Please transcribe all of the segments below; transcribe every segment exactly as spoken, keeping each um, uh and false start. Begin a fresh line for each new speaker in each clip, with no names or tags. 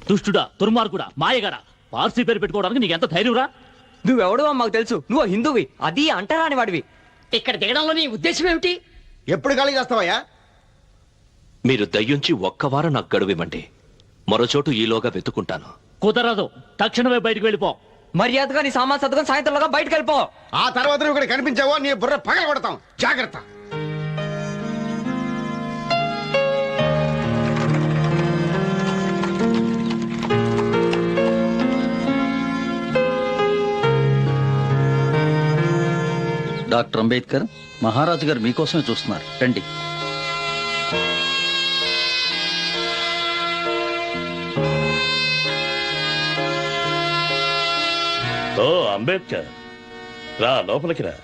దుష్టుడా, దుర్మార్గుడా, మాయగాడా, పార్సీ పేరు పెట్టుకోవడానికి నీకు ఎంత ధైర్యంరా?
నువ్వెవడో మాకు తెలుసు, నువ్వు హిందువి, అది అంటరాని వాడివి.
ఇక్కడ దిగడంలో నీ ఉద్దేశం ఏమిటి?
ఎప్పుడు ఖాళీ చేస్తావయ్యా?
మీరు దయ్యుంచి ఒక్క వారం నాకు గడువివ్వండి, మరోచోటు ఈలోగా వెతుకుంటాను.
కుదరదు, తక్షణమే బయటకు వెళ్ళిపో.
మర్యాదగా నీ సామాన్ సర్దుకొని సాయంత్రంలోగా బయటకు వెళ్ళిపో.
ఆ తర్వాత నువ్వు ఇక్కడ కనిపించావో నీ బుర్ర పగల కొడతాం, జాగ్రత్త.
డాక్టర్ అంబేద్కర్, మహారాజు గారు మీకోసమే చూస్తున్నారు, రండి.
ఓ అంబేద్కర్, రా లోపలికి రా.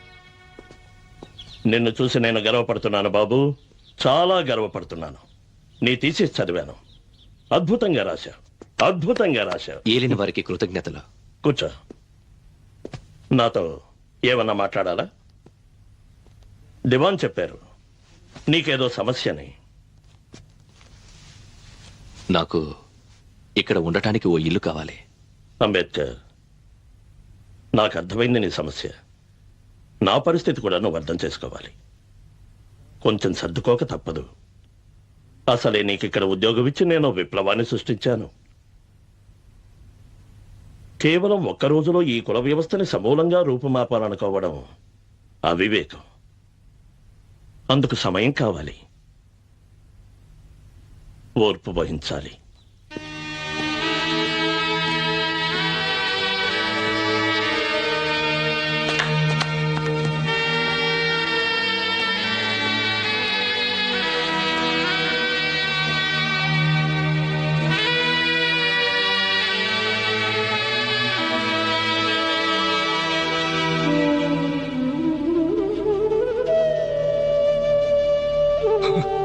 నిన్ను చూసి నేను గర్వపడుతున్నాను బాబు, చాలా గర్వపడుతున్నాను. నీ తీసేసి చదివాను, అద్భుతంగా రాశావు, అద్భుతంగా రాశావు.
ఏలిన వారికి కృతజ్ఞతలు.
కూర్చో. నాతో ఏమన్నా మాట్లాడాలా? దివాన్ చెప్పారు నీకేదో సమస్యని.
నాకు ఇక్కడ ఉండటానికి ఓ ఇల్లు కావాలి.
అంబేద్కర్, నాకు అర్థమైంది నీ సమస్య. నా పరిస్థితి కూడా నువ్వు అర్థం చేసుకోవాలి. కొంచెం సర్దుకోక తప్పదు. అసలే నీకు ఇక్కడ ఉద్యోగం ఇచ్చి నేను విప్లవాన్ని సృష్టించాను. కేవలం ఒక్క రోజులో ఈ కుల వ్యవస్థని సమూలంగా రూపుమాపాలనుకోవడం అవివేకం. అందుకు సమయం కావాలి, ఓర్పు వహించాలి.
Huh.